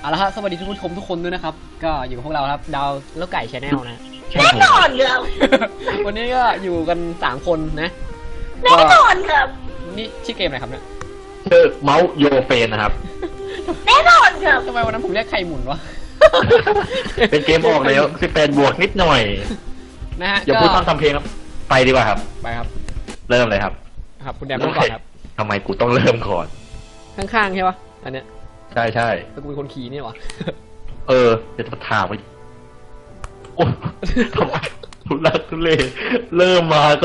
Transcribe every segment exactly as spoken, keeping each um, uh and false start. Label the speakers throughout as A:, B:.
A: เอาละครับสวัสดีทุกผู้ชมทุกคนด้วยนะครับก็อยู่กับพวกเราครับดาวแล้วไก่ชาแนลนะ
B: แน่นอนครับ
A: วันนี้ก็อยู่กันสามคนนะ
B: แน่นอนครับ
A: นี่ชื่อเกมอะไรครับเนี่ย
C: ชื่อเมาส์โยเฟนนะครับ
B: แน่นอนครับ
A: ทำไมวันนั้นผมเรียกไข่หมุนวะ
C: เป็นเกมออกแล้วสิบแปดบวกนิดหน่อย
A: นะฮะ
C: อย่าพูดต้องทำเพลงครับไปดีกว่าครับ
A: ไปครับ
C: เริ่มเลยครับ
A: ครับคุณแดมต้องก่อนครับ
C: ทำไมกูต้องเริ่มก่อน
A: ข้างๆใช่ปะอันเนี้ย
C: ใช่ใช่
A: แล้วกูเป็นคนขี่นี่วะ
C: เออจะจะถามไปโอ้ทำไมทุลักทุเลเริ่มมาก็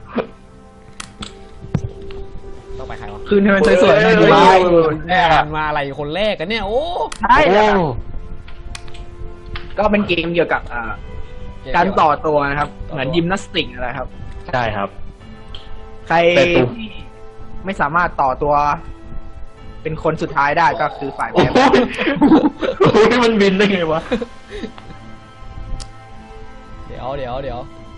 A: ต้องไปใครวะ
D: คืนให้มันสวยๆหน่อย
C: เฮ้
D: ดี
C: ย
D: วะ
A: แม่มาอะไรคนแรกกันเนี่ยโอ้
D: ใช่แล้วครับ
C: โอ้
D: ก็เป็นเกมเกี่ยวกับอ่าการต่อตัวนะครับ เหมือนยิมนาสติกอะไรครับ
C: ใช่ครับ
D: ใคร
C: แต่ตัว
D: ที่ไม่สามารถต่อตัว เป็นคนสุดท้ายได้ก็คือฝ่าย
C: โอ้
D: แพ้
C: ยโอ้ยมันบินได้ไงวะ
A: เดี๋ยวเดี๋ยวเดี๋ยว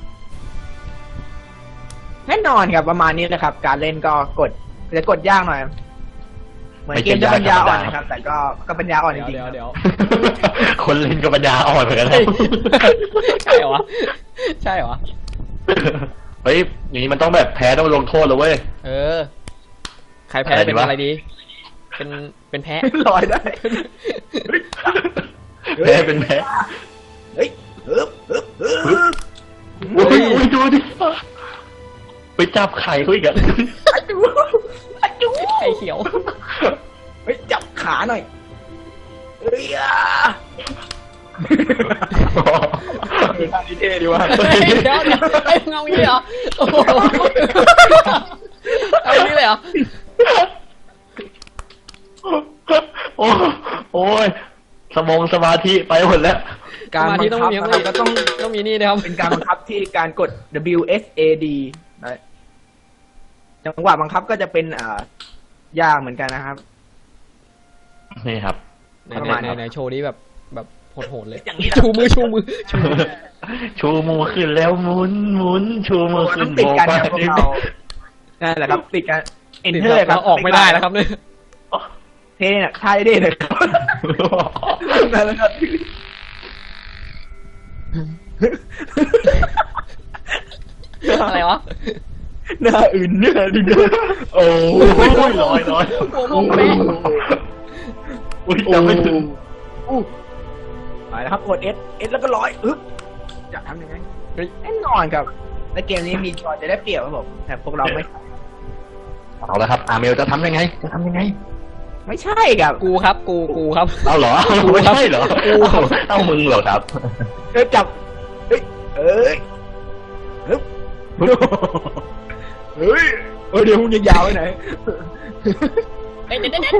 D: แน่นอนครับประมาณนี้นะครับ การเล่นก็กดจะกดยากหน่อย เหมือนเกมจะปัญญาอ่อนนะครับ แต่ก็ก็ปัญญาอ่อนจ
A: เดี๋ยว
D: ริง
A: เดี๋ยว
D: ๆ
A: เดี๋ยว
C: คนเล่นก็ปัญญาอ่อนเหมือนกันนะ
A: เฮ้ยใช่เหรอวะใช่เหรอวะ
C: เฮ้ยอย่างนี้มันต้องแบบแพ้ต้องลงโทษเลยเว้ย
A: เออใครแพ้
C: อะไรดี
A: เป็น
C: วะ
A: อะไรดี เป็นเป็นแพ้
D: ลอยได้
C: แพ้เป็นแพ้
D: เฮ้ยฮึบฮึบฮึบ
C: โอ้ยโอ้ยดูดิไปจับไข่เขาอีกอะ
D: อาจูอาจู
A: ไข่เขียว
D: เฮ้ยจับขาหน่อยเฮ้ยอ่ะทางนี้เท่ดีว่ะ
A: เฮ้ยเดี๋ยวเดี๋ยวไอ้เงาอย่างนี้เหรอโอ้โหเอาอย่างนี้เลยเหรอ
C: โอ้โอ้ยสมองสมาธิไปหมดแล้ว
D: การ
A: มา
D: บั
A: ที่
D: ง
A: ต้อง
D: คับ
A: มี
D: นะครับก็ต้อง
A: ต้องมีนี่นะครับ
D: เป็นการบังคับที่การกด W S A D นะจังหวะบังคับก็จะเป็นอ่ายากเหมือนกันนะครับ
C: นี่ครับ
A: ไหน
D: ประ
A: ไหน
D: มาณ
A: ไหน
D: นั้น
A: ไหนโชว์นี้แบบแบบโหดๆเลย
D: อย่างนี้นะ
A: ชูมือชูมือชูมือ
C: ชูมือขึ้นแล้วหมุนหมุนชูมือขึ้
D: ต้
C: น
D: องติดกัน
C: โบ
D: นะพวกเรานั่นแหละครับติดกัน Enter ครั
A: เรา
D: บ
A: ออกไม่ได้แล้วครับเนี่ย
D: เท่เนี่ยท่าเท่เลยครับนั่นแหละครับ
A: อะไรวะ
D: หน้าอื่นเนี่ยดิเด้อ
C: โอ้ยลอยลอย
A: หัวมุมเป๊ะ
C: อุ้ยจำไม่ถึง
D: อู้ไปแล้วครับกด S S แล้วก็ร้อยอึ๊บจะทำยังไง
A: เฮ้ย
D: แน่นอนครับในเกมนี้มีจอยจะได้เปรียบครับผมแต่พวกเราไม่
C: เอาละครับอาเมลจะทำยังไงจะทำยังไง
D: ไม่ใช่ครับ
A: กูครับกูกูครับ
C: เอาเหรอไม่ใช่เหรอเอามึงเหรอครับ
D: เอ้ยจับเฮ้ยเอ้ยฮึบเฮ้ยเอ้ยเดี๋ยวมึงจะยาวไปไหน
A: เอ้ยเด็ดเด็ด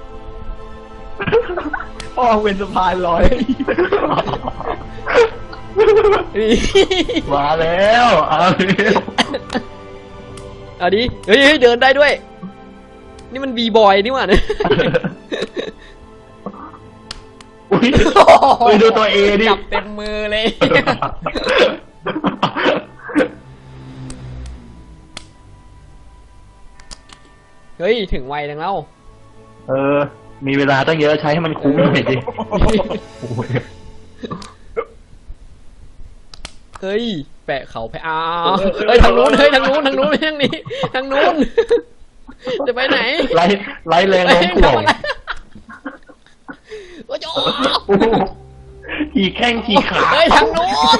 D: พ่อเป็นสะพานลอย
C: มาแล้วอาเมล
A: เอาดิเฮ้ยเฮ้ยเดินได้ด้วย นี่มันบีบอยนี่หว่าเนี่ย
C: อุ้ยอุ้ยดูตัวเอดิ
A: จับเต็มมือเลย เฮ้ยถึงวัยจังแล้ว
C: เออ มีเวลาตั้งเยอะใช้ให้มันคุ้มหน่อยดิ
A: เฮ้ยแปะเขาแปะอ้าวเฮ้ยทางนู้นเฮ้ยทางนู้นทางนู้นไม่ทางนี้ทางนู้นจะไปไหน
C: ไล่ไล่แรงลงถ่วง
A: โอ้โห
C: ขี่แข้งขี่ขา
A: เฮ้ยทางนู้น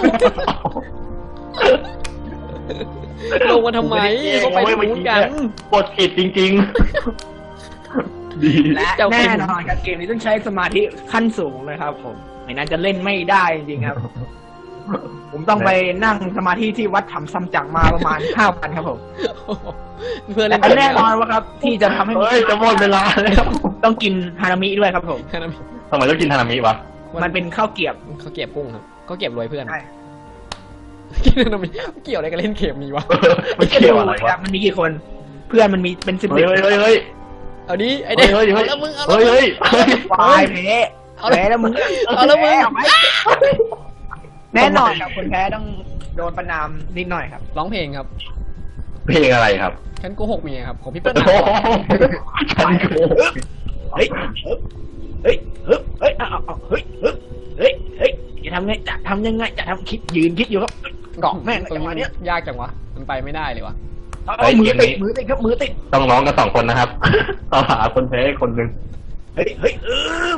A: ลงมาทำไมเขาไปทางนู้นกัน
C: กดผิดจริงๆ ดี
D: และแน่นอนครับเกมนี้ต้องใช้สมาธิขั้นสูงเลยครับ ผมไม่นั้นจะเล่นไม่ได้จริงๆครับ ผมต้องไปนั่งสมาธิที่วัดถ้ำซัมจั๋งมาประมาณห้าวันครับผม
A: เพื่อนเล่น
D: แต่แน่นอนว่าครับ ที่จะทำให้
C: เฮ้ยจะหมดเวลาแล้ว
D: ต้องกินฮานามิด้วยครับผม
C: ทำไมต้องกินฮานามิวะ
D: มันเป็นข้าวเกรี๊ยบ
A: เขาเก็บกุ้งครับเขาเก็บรวยเพื่อน
D: ใช่
A: กินอะไรเกี่ยวอะไรกับเล่นเกมนี้วะ
C: มันเกี่ยวอะไร
D: ครั
C: วะ
D: บมันมีกี่คน เพื่อนมันมีเป็นสิบ
C: เฮ้ยเฮ้ยเฮ้ย
A: เอาดิไอเด็ก
C: เฮ้ยเฮ้ย
A: เอาแล้วมึงเอา
C: เฮ้ย
A: แล้ว
C: เฮ้ยเฮ้ย
D: วายแพ้แพ้แล้วมึง
A: เอาแล้วมึง
D: พ้แน่นอนครับคนแพ้ต้องโดนประนามนิดหน่อยครับ
A: ร้องเพลงครับ
C: เพลงอะไรครับ
A: ฉันโกหกเมียครับของพี่เปิ้ล
C: โอ้โหฉันโกหก
D: เฮ้ยเฮ้ยเฮ้ยเฮ้ยอ้าวเฮ้ยเฮ้ยเฮ้ยเฮ้ยจะทำไงจะทำยังไงจะทำคิดยืนคิดอยู่ครับเกาะแม่ง
A: ตรง
D: จังหวะ
A: นี้
D: เนี้ย
A: ยากจังวะมันไปไม่ได้เลยวะ
D: เอามือติดมือติดครับมือติด
C: ต้องร้องกันสองคนนะครับ ต้องหาคนแพ้คนหนึ่ง
D: เฮ้ยเฮ้ยเออ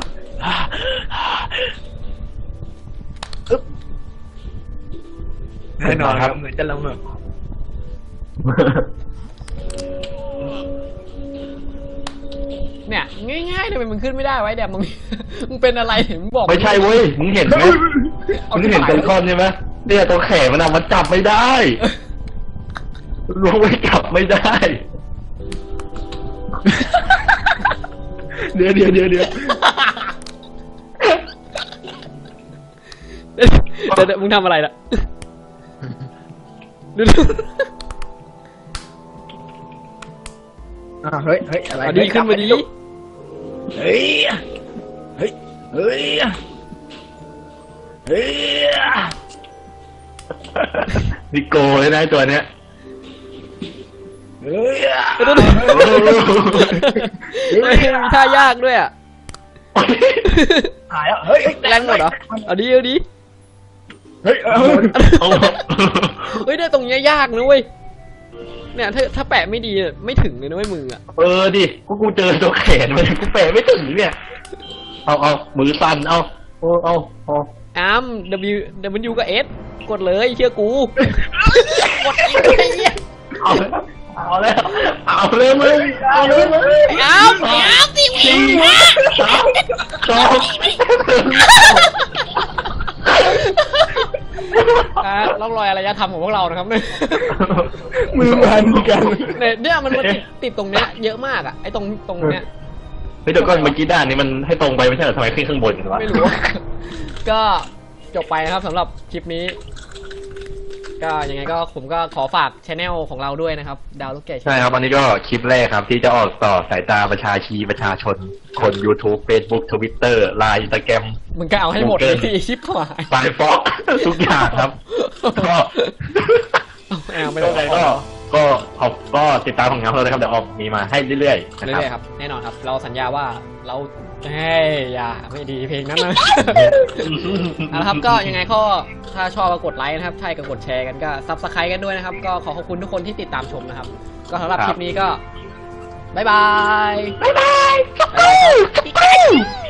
D: อึ๊บแน่นอนครับเหมือนจะละเมอ
A: เนี่ยง่ายๆทำไมมึงขึ้นไม่ได้ไวะไอ้แดมมึง มึงเป็นอะไรเห็นมึงบอก
C: ไม่ใช่เว้ย มึงเห็นไหมมึงเห็นตรงท่อนใช่ไหมเนี่ยตรงแขนมันอะมันจับไม่ได้ล้วงไว้จับไม่ได้
D: เดี๋ยวเดี๋ยวเดี๋ยวเดี๋ยว
A: เดี๋ยวเดี๋ยวมึงทำอะไรล่ะดูดู
D: อ่าเฮ้ยเฮ้ยอะไร
A: เอาดีขึ้นมาดี
D: เฮ้ยเฮ้ยเฮ้ยเฮ้ย
C: นิโก้เลยนะตัวเนี้ย
D: เฮ้ย
A: ดูดูเฮ้ยมีท่ายากด้วยอ่ะ
D: หายแล้วเฮ้ย
A: แรงหมดเหรอเอาดีเอาดี
D: เฮ้ยเออ
C: เอา
A: เฮ้ยเนี่ยตรงเนี้ยยากนะเว้ยเนี่ยถ้าถ้าแปะไม่ดีอะไม่ถึงเลยนะเว้ยมืออ่ะ
C: เออดิกูกูเจอตัวแขนมันกูแปะไม่ถึงเนี่ย เอาเอามือสั่นเอาเอาเอาเอา
A: อาร์ม W W กับ S กดเลยเชื่อกู กดอีกไอ้เหี้ย
C: เอาเอาแล้วเอาเลยมึงเอาเลยมึง
A: อาร์มอาร์มสิมึง
C: สี่สามสอง
A: อ่าร่องรอยอารยธรรมของพวกเรานะครับเนี่ย
D: มือมันกัน
A: เนี่ยเนี่ยมันมันติดติดตรงเนี้ยเยอะมากอ่ะไอ้ตรงตรงเนี้ย
C: เฮ้ยเดี๋ยวก่อนเมื่อกี้ด้านนี้มันให้ตรงไปไม่ใช่เหรอทำไมขึ้นข้างบนกันวะ
A: ไม่รู้ ก็จบไปนะครับสำหรับคลิปนี้ ก็ยังไงก็ผมก็ขอฝากช anel ของเราด้วยนะครับ ดาวลูกแก่
C: ใช่ครับอันนี้ก็คลิปแรกครับ ที่จะออกต่อสายตาประชาชีประชาชน คน YouTube Facebook Twitter ไลน์ Instagram
A: มึงก็เอาให้หมดเลยสิชิบหาย
C: ไฟฟอก ทุกอย่างครับ ก็
A: แอบไม่
C: ไม่
A: ได้
C: ได้ก็ก็ออกก็ติดตามของงานเราเลยครับเดี๋ยวออกมีมาให้เรื่อยๆนะ
A: เรื่
C: ครับ
A: อยๆครับแน่นอนครับ เราสัญญาว่าเราเฮ้ยอย่าไม่ดีเพลงนั้นนะ เอาละครับก็ยังไงก็ถ้าชอบก็กดไลค์นะครับใช่ก็กดแชร์กันก็ซับสไครต์กันด้วยนะครับ ก็ขอขอบคุณทุกคนที่ติดตามชมนะครับ ก็สำหรับคลิปนี้ก็บ๊ายบาย
B: บ๊ายบาย
A: บ๊ายบายครับ